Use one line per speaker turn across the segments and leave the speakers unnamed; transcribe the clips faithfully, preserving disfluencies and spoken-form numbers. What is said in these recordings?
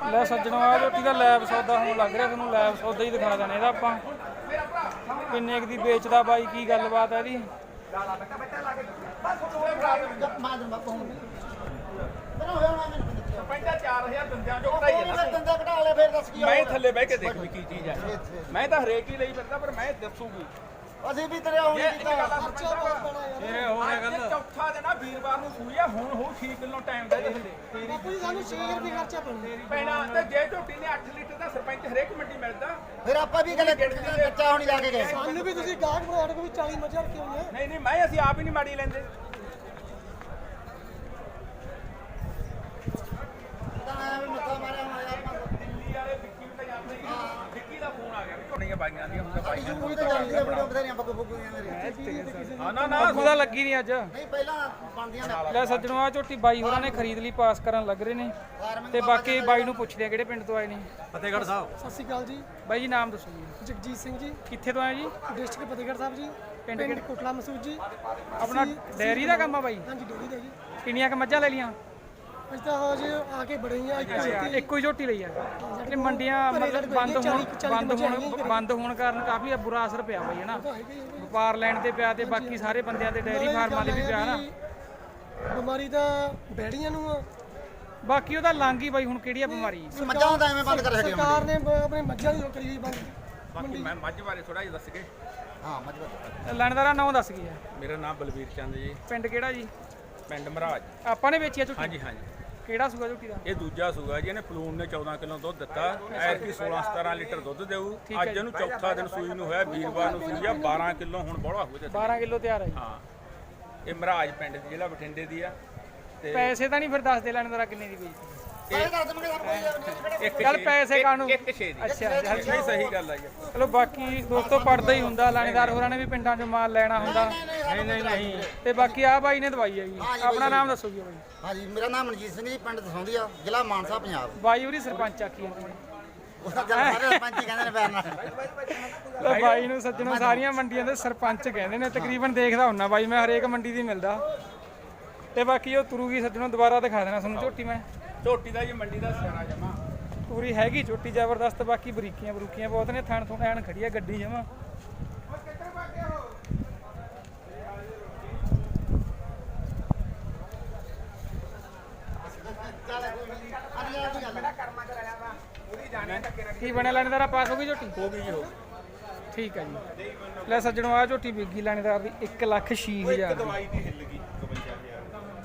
ਲੈ ਸੱਜਣੋ ਆ ਝੋਟੀ ਦਾ ਲੈਬ ਸੌਦਾ ਹੁਣ ਲੱਗ ਰਿਹਾ, ਤੁਹਾਨੂੰ ਲੈਬ ਸੌਦਾ ਹੀ ਦਿਖਾ ਦੇਣਾ ਇਹਦਾ ਆਪਾਂ। ਕਿੰਨੇ ਕੁ ਦੀ ਵੇਚਦਾ ਬਾਈ, ਕੀ ਗੱਲਬਾਤ ਹੈ ਇਹਦੀ।
ਮੈਂ ਥੱਲੇ ਬਹਿ ਕੇ ਦੇਖ ਵੀ ਕੀ ਚੀਜ਼ ਹੈ। ਮੈਂ ਤਾਂ ਹਰੇਕ ਹੀ ਲਈ ਫਿਰਦਾ, ਪਰ ਮੈਂ ਦੱਸੂਗੀ
ਅਸੀਂ ਵੀ ਤੇਰੇ ਆਉਣੀ ਕੀਤਾ
ਇਹ ਹੋਰ ਇਹ ਗੱਲ
ਚੌਥਾ ਦਿਨ ਆ ਵੀਰਵਾਰ ਨੂੰ ਸੂਈ ਆ, ਹੁਣ ਹੋ ਛੇ ਕਿਲੋ ਟਾਈਮ ਦਾ ਇਹਦੇ ਥੱਲੇ
ਬਾਪੂ ਜੀ ਸਾਨੂੰ ਛੇ ਰੁਪਏ ਖਰਚਾ
ਪੈਣਾ। ਤੇ ਜੇ ਝੋਟੀ ਨੇ ਅੱਠ ਲੀਟਰ ਦਾ ਸਰਪੰਚ ਹਰੇਕ ਮੰਡੀ ਮਿਲਦਾ।
ਫਿਰ ਆਪਾਂ ਵੀ ਕਹਿੰਦੇ ਬੱਚਾ ਹੋਣੀ ਲਾ ਕੇ ਗਏ।
ਸਾਨੂੰ ਵੀ ਤੁਸੀਂ ਗਾਹਕ ਬਣਾ ਕੇ ਵੀ ਚਾਲੀ ਮੱਝਾਂ ਰੱਖੀਆਂ ਹੋਈਆਂ।
ਨਹੀਂ ਨਹੀਂ ਮੈਂ ਅਸੀਂ ਆਪ ਹੀ ਨਹੀਂ ਮਾੜੀ ਲੈਂਦੇ।
ਮੱਥਾ ਮਾਰਿਆ
ਦਿੱਲੀ ਵਾਲੇ ਵਿੱਕੀ ਨੂੰ ਤਾਂ ਜਾਂਦੇ ਹੀ ਨਹੀਂ। ਵਿੱਕੀ ਦਾ ਫੋਨ ਆ ਗਿਆ ਵੀ ਝੋਟੀਆਂ ਬਾਈਆਂ ਦੀਆਂ ਹੁੰਦਾ ਬਾਈਆਂ
ਕੋਈ ਤਾਂ ਚੱਲਦੀ ਆ ਵੀਡੀਓ ਬਥੇਰੀਆਂ ਬੱਗੂ ਬੱਗੂ ਦੀਆਂ।
ਹਾਂ ਨਾ ਨਾ
ਅੱਗੂ ਦਾ ਲੱਗੀ ਨਹੀਂ ਅੱਜ।
ਨਹੀਂ ਪਹਿਲਾਂ ਬਣਦੀਆਂ ਨੇ।
ਲੈ ਸੱਜਣੋ ਆ ਝੋਟੀ ਬਾਈ ਹੋਰਾਂ ਨੇ ਖਰੀਦ ਲਈ, ਪਾਸ ਕਰਨ ਲੱਗ ਰਹੇ ਨੇ। ਤੇ ਬਾਕੀ ਬਾਈ ਨੂੰ ਪੁੱਛਦੇ ਆ ਕਿਹੜੇ ਪਿੰਡ ਤੋਂ ਆਏ ਨੇ।
ਫਤਿਹਗੜ੍ਹ ਸਾਹਿਬ।
ਸਤਿ ਸ਼੍ਰੀ ਅਕਾਲ ਜੀ,
ਬਾਈ ਜੀ ਨਾਮ ਦੱਸੋ ਜੀ।
ਜਗਜੀਤ ਸਿੰਘ ਜੀ,
ਕਿੱਥੇ ਤੋਂ ਆਏ ਜੀ?
ਡਿਸਟ੍ਰਿਕਟ ਫਤਿਹਗੜ੍ਹ ਸਾਹਿਬ ਜੀ,
ਪਿੰਡ
ਪਿੰਡ
ਕਿਹੜਾ?
ਕੋਟਲਾ ਮਸੂਦ ਜੀ।
ਆਪਣਾ ਡੈਰੀ ਦਾ ਕੰਮ ਆ ਬਾਈ?
ਹਾਂਜੀ ਡੇਰੀ ਦਾ ਜੀ।
ਕਿੰਨੀਆਂ ਕ ਮੱਝਾਂ ਲੈ ਲੀਆਂ?
ਅਸੀਂ ਤਾਂ ਹਜੇ ਆ ਕੇ ਬੜੇ ਹੀ ਆ ਇੱਕ ਛੇਤੀ।
ਇੱਕੋ ਹੀ ਝੋਟੀ ਲਈ ਆ। ਤੇ ਮੰਡੀਆਂ ਮਤਲਬ ਬੰਦ ਹੋਣ ਬੰਦ ਹੋਣ ਬੰਦ ਹੋਣ ਕਾਰਨ ਕਾਫੀ ਬੁਰਾ ਅਸਰ ਪਿਆ ਬਾਈ, ਹਨਾ। ਵਪਾਰ ਲੈਣ ਤੇ ਪਿਆ ਤੇ ਬਾਕੀ ਸਾਰੇ ਬੰਦਿਆਂ ਤੇ ਡੈਰੀ ਫਾਰਮ ਵਾਲੇ ਵੀ ਪਿਆ ਨਾ।
ਬਿਮਾਰੀ ਤਾਂ ਬੈੜੀਆਂ ਨੂੰ ਆ।
ਬਾਕੀ ਉਹਦਾ ਲੰਘ ਹੀ ਬਾਈ, ਹੁਣ ਕਿਹੜੀ ਆ ਬਿਮਾਰੀ?
ਮੱਝਾਂ ਤਾਂ ਐਵੇਂ ਬੰਦ ਕਰ ਛੱਡੀਆਂ
ਸਰਕਾਰ ਨੇ ਬ- ਆਪਣੇ ਮੱਝਾਂ ਦੀ ਉਹ ਕਰੀ ਹੋਈ ਬੰਦ।
ਬਾਕੀ ਮੈਂ ਮੱਝ ਬਾਰੇ ਥੋੜਾ ਜਿਹਾ ਦੱਸ ਕੇ।
ਹਾਂ ਮੱਝ ਬੰਦ।
ਲੈਣਦਾਰਾ ਨਾਮ ਦੱਸ ਕੀ ਆ?
ਮੇਰਾ ਨਾਮ ਬਲਵੀਰ ਚੰਦ ਜੀ,
ਪਿੰਡ ਕਿਹੜਾ ਜੀ?
ਪਿੰਡ ਮਹਾਰਾਜ।
ਆਪਾਂ ਨੇ ਵੇਚੀ ਆ ਝੋਟੀ?
ਹਾਂਜੀ ਹਾਂਜੀ।
ਕਿਹੜਾ ਸੂਆ ਝੋਟੀ ਦਾ?
ਇਹ ਦੂਜਾ ਸੂਗਾ ਜੀ। ਇਹਨੇ ਫਲੂਨ ਨੇ ਚੌਦਾਂ ਕਿਲੋ ਦੁੱਧ ਦਿੱਤਾ। ਐਰ ਕੀ ਸੋਲਾਂ ਸਤਾਰਾਂ ਲੀਟਰ ਦੁੱਧ ਦੇਊ। ਅੱਜ ਇਹਨੂੰ ਚੌਥਾ ਦਿਨ ਸੂਈ ਨੂੰ ਹੋਇਆ, ਵੀਰਵਾਰ ਨੂੰ ਸੂਈ ਆ। ਬਾਰਾਂ ਕਿਲੋ ਹੁਣ ਬੋਲਾ ਹੋ ਜਾ।
ਬਾਰਾਂ ਕਿਲੋ ਤਿਆਰ ਆ ਜੀ।
ਹਾਂ ਇਹ ਮਹਾਰਾਜ ਪਿੰਡ ਦੀ, ਜ਼ਿਲ੍ਹਾ ਬਠਿੰਡੇ ਦੀ ਆ। ਤੇ
ਪੈਸੇ ਤਾਂ ਨਹੀਂ ਫਿਰ ਦੱਸ ਦੇ ਲੈਣਦਾਰਾ ਕਿੰਨੇ ਦੀ ਵੇਚੀ?
ਸਾਰੇ ਦੱਸ ਦੇਣਗੇ ਸਭ ਕੋਈ।
ਇੱਕ
ਚੱਲ
ਛੇ-
ਪੈਸੇ ਕਾਹਨੂੰ?
ਇੱਕ ਛੇ ਦੀ।
ਅੱਛਾ ਚੱਲ
ਨਹੀਂ ਸਹੀ ਗੱਲ ਆ ਜੀ।
ਚਲੋ ਬਾਕੀ ਦੋਸਤੋ ਪੜਦਾ ਹੀ ਹੁੰਦਾ, ਲਾਣੇਦਾਰ ਹੋਰਾਂ ਨੇ ਵੀ ਪਿੰਡਾਂ 'ਚੋਂ ਮਾਲ ਲੈਣਾ ਹੁੰਦਾ।
ਨਹੀਂ ਨਹੀਂ ਨਹੀਂ
ਤੇ ਬਾਕੀ ਆ ਬਾਈ ਨੇ ਦਵਾਈ ਆ ਜੀ। ਆਪਣਾ ਨਾਮ ਦੱਸੋ ਜੀ ਬਾਈ।
ਹਾਂਜੀ ਮੇਰਾ ਨਾਮ ਮਨਜੀਤ ਸਿੰਘ ਜੀ, ਪਿੰਡ ਦਸੌਂਦੀ ਆ, ਜ਼ਿਲ੍ਹਾ ਮਾਨਸਾ, ਪੰਜਾਬ।
ਬਾਈ ਉਹਦੀ ਸਰਪੰਚ ਆਖੀ ਜਾਂਦੇ ਨੇ।
ਉਸ ਦਾ ਜਲ ਸਾਰੇ ਸਰਪੰਚ ਹੀ ਕਹਿੰਦੇ ਨੇ ਪਿਆਰ ਨਾਲ।
ਲੈ ਬਾਈ ਨੂੰ ਸੱਜਣੋਂ ਸਾਰੀਆਂ ਮੰਡੀਆਂ ਦੇ ਸਰਪੰਚ ਕਹਿੰਦੇ ਨੇ। ਤਕਰੀਬਨ ਦੇਖਦਾ ਹੁੰਨਾ ਬਾਈ ਮੈਂ, ਹਰੇਕ ਮੰਡੀ ਦੀ ਮਿਲਦਾ। ਤੇ ਬਾਕੀ ਉਹ ਤੁਰੂਗੀ ਸੱਜਣੋਂ, ਦੁਬਾਰਾ ਦਿਖਾ ਦੇਣਾ ਤੁਹਾਨੂੰ ਝੋਟੀ ਮੈਂ।
ਝੋਟੀ ਦਾ ਜੀ ਮੰਡੀ ਦਾ ਸਿਆਣਾ ਜਮਾ।
ਪੂਰੀ ਹੈਗੀ ਝੋਟੀ ਜ਼ਬਰਦਸਤ। ਬਾਕੀ ਬਰੀਕੀਆਂ ਬਰੂਕੀਆਂ ਬਹੁਤ ਨੇ। ਥਣ ਥੁਣ ਐਨ ਖੜੀ ਆ ਗੱਡੀ ਜਮਾ। ਕੀ ਬਣਿਆ ਲੈਣੇਦਾਰਾ? ਪਾਸ ਹੋ ਗਈ ਝੋਟੀ?
ਹੋ ਗਈ ਜੀ ਹੋ
ਠੀਕ ਹੈ ਜੀ। ਲੈ ਸੱਜਣੋਂ ਆ ਝੋਟੀ ਵਿਕੀ ਲੈਣੇਦਾਰ ਦੀ ਇੱਕ ਲੱਖ ਛੇ ਹਜ਼ਾਰ ਦੀ।
ਦਵਾਈ ਦੀ ਹਿੱਲ ਗਈ ਇਕਵੰਜਾ ਹਜ਼ਾਰ।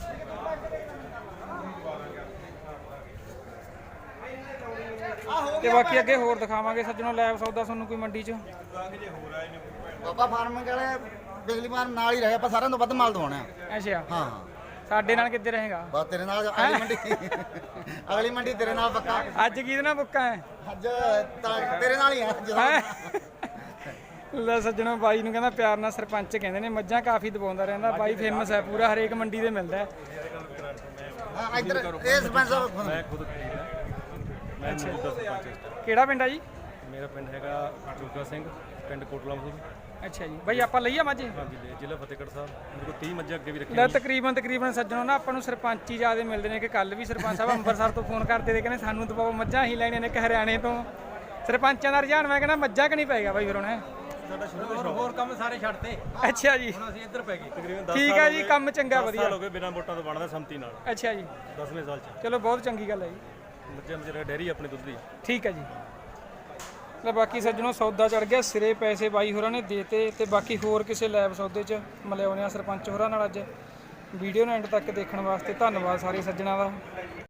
ਤੇ ਬਾਕੀ ਅੱਗੇ ਹੋਰ ਦਿਖਾਵਾਂਗੇ ਸੱਜਣੋਂ ਲੈਬ ਸੌਦਾ ਤੁਹਾਨੂੰ ਕੋਈ ਮੰਡੀ 'ਚ।
ਬਾਬਾ ਫਾਰਮ ਵਾਲੇ ਬਿਜਲੀ ਫਾਰਮ ਨਾਲ ਹੀ ਰਹੇ, ਆਪਾਂ ਸਾਰਿਆਂ ਤੋਂ ਵੱਧ ਮਾਲ ਦਵਾਉਣਾ।
ਅੱਛਾ
ਹਾਂ
ਸਾਡੇ ਨਾਲ ਕਿੱਥੇ ਰਹੇਗਾ?
ਬਸ ਤੇਰੇ ਨਾਲ ਅਗਲੀ ਮੰਡੀ ਅਗਲੀ ਮੰਡੀ ਤੇਰੇ ਨਾਲ ਪੱਕਾ।
ਅੱਜ ਕਿਹਦੇ ਨਾਲ ਬੁੱਕਾ ਹੈ?
ਅੱਜ ਤਾਂ ਤੇਰੇ ਨਾਲ ਹੀ ਆ ਜਦੋਂ।
ਹੈਂ? ਲੈ ਸੱਜਣੋਂ ਬਾਈ ਨੂੰ ਕਹਿੰਦਾ ਪਿਆਰ ਨਾਲ ਸਰਪੰਚ ਕਹਿੰਦੇ ਨੇ। ਮੱਝਾਂ ਕਾਫੀ ਦਬਾਉਂਦਾ ਰਹਿੰਦਾ ਬਾਈ, ਫੇਮਸ ਹੈ ਪੂਰਾ, ਹਰੇਕ ਮੰਡੀ ਦੇ ਮਿਲਦਾ ਹੈ।
ਹਾਂ ਇੱਧਰ ਇਹ ਸਰਪੰਚ ਸਾਹਿਬ
ਮੈਂ ਖੁਦ ਖਰੀਦਦਾ। ਮੈਂ ਮੌਜੂਦਾ ਸਰਪੰਚ ਹਾਂ।
ਕਿਹੜਾ ਪਿੰਡ ਆ ਜੀ?
ਮੇਰਾ ਪਿੰਡ ਹੈਗਾ ਜੋਗਾ ਸਿੰਘ, ਪਿੰਡ ਕੋਟਲਾ ਮਸੂਦ।
ਅੱਛਾ ਜੀ ਬਾਈ ਆਪਾਂ ਲਈਆ ਮੱਝ?
ਹਾਂਜੀ ਲੈ ਜ਼ਿਲ੍ਹਾ ਫਤਿਹਗੜ੍ਹ ਸਾਹਿਬ। ਮੇਰੇ ਕੋਲ ਤੀਹ ਮੱਝਾਂ ਅੱਗੇ ਵੀ ਰੱਖੀਆਂ
ਲੈ
ਨੇ।
ਤਕਰੀਬਨ ਤਕਰੀਬਨ ਸੱਜਣੋਂ ਨਾ ਆਪਾਂ ਨੂੰ ਸਰਪੰਚ ਹੀ ਜ਼ਿਆਦਾ ਮਿਲਦੇ ਨੇ। ਕਿ ਕੱਲ ਵੀ ਸਰਪੰਚ ਸਾਹਿਬ ਅੰਮ੍ਰਿਤਸਰ ਤੋਂ ਫੋਨ ਕਰਦੇ ਤੇ ਕਹਿੰਦੇ ਸਾਨੂੰ ਦਬਾਓ, ਮੱਝਾਂ ਹੀ ਲੈਣੀਆਂ ਨੇ। ਕਿ ਹਰਿਆਣੇ ਤੋਂ ਸਰਪੰਚਾਂ ਦਾ ਰੁਝਾਨ, ਮੈਂ ਕਹਿੰਦਾ ਮੱਝਾਂ ਕਿ ਨਹੀਂ ਪਏਗਾ ਬਾਈ ਫਿਰ ਹੁਣ?
ਸਾਡਾ ਸ਼ੁਰੂ ਤੋਂ ਸ਼ੌਕ। ਹੋਰ ਕੰਮ ਸਾਰੇ ਛੱਡਤੇ,
ਅੱਛਾ ਜੀ
ਹੁਣ ਅਸੀਂ ਇੱਧਰ ਪੈ ਗਏ। ਤਕਰੀਬਨ ਦਸ
ਠੀਕ
ਸਾਲ
ਆ
ਹੋ
ਜੀ,
ਗਏ।
ਕੰਮ ਚੰਗਾ
ਦਸ
ਵਧੀਆ।
ਸਾਲ ਹੋ ਗਏ ਬਿਨਾਂ ਵੋਟਾਂ ਤੋਂ ਬਣਦਾ ਸੰਮਤੀ ਨਾਲ।
ਅੱਛਾ ਜੀ
ਦਸਵੇਂ ਸਾਲ ਚ
ਚਲੋ ਬਹੁਤ ਚੰਗੀ ਗੱਲ ਹੈ ਜੀ।
ਮੱਝਾਂ ਮਜਰਾ ਡੈਰੀ ਆਪਣੀ ਦੁੱਧ ਦੀ।
ਠੀਕ ਹੈ ਜੀ। ਲੈ ਬਾਕੀ ਸੱਜਣੋਂ ਸੌਦਾ ਚੜ ਗਿਆ ਸਿਰੇ, ਪੈਸੇ ਬਾਈ ਹੋਰਾਂ ਨੇ ਦੇਤੇ। ਤੇ ਬਾਕੀ ਹੋਰ ਕਿਸੇ ਲੈਬ ਸੌਦੇ 'ਚ ਮਿਲਿਆਉਂਦੇ ਆ ਸਰਪੰਚ ਹੋਰਾਂ ਨਾਲ ਅੱਜ। ਵੀਡੀਓ ਨੂੰ ਐਂਡ ਤੱਕ ਦੇਖਣ ਵਾਸਤੇ ਧੰਨਵਾਦ ਸਾਰੇ ਸੱਜਣਾਂ ਦਾ।